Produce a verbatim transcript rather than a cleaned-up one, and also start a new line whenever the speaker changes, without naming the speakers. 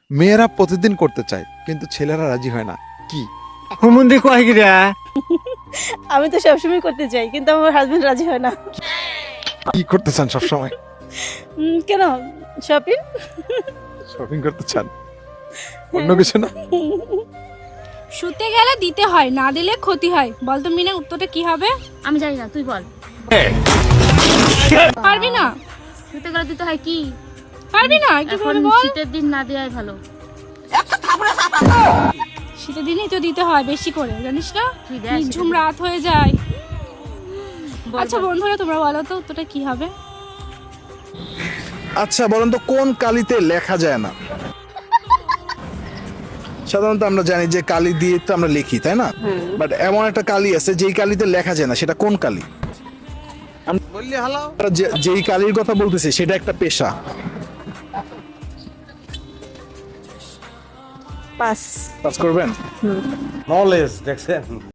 মেয়েরা প্রতিদিন করতে চায় কিন্তু ছেলেরা রাজি হয় না, কি?
হুমুন্দি কয় গিরা
আমি তো সবসময় করতে চাই কিন্তু আমার হাজবেন্ড রাজি হয় না।
কি করতে চান সবসময়?
উম, কেন? শপিং।
শপিং করতে চান, অন্য কিছু না?
শুতে গেলে দিতে হয়, না দিলে ক্ষতি হয়। বল তো মিনা, উত্তরটা কি হবে?
আমি জানি না, তুই বল।
পারবি না?
শুতে গেলে দিতে হয় কি?
পারবি না? একটু
এখন
করে বল।
শীতের দিন না দেওয়াই ভালো।
শীতের দিনেই তো দিতে হয় বেশি করে, জানিস না?
তুই দেখ শীতের
ঝুম
দিনে।
রাত হয়ে যায়।
বল,
আচ্ছা
বল।
বন্ধুরা, তোমরা বলো তো উত্তরটা কি হবে?
আচ্ছা বলেন তো কোন কালিতে লেখা যায় না? সাধারণত আমরা জানি যে কালি দিয়ে তো আমরা লিখি, তাই না? বাট এমন একটা কালি আছে যেই কালিতে লেখা যায় না, সেটা কোন কালি? আমরা যে- যেই কালির কথা বলতেছি সেটা একটা পেশা।
পাস।
পাস করবেন?
নলেজ দেখছেন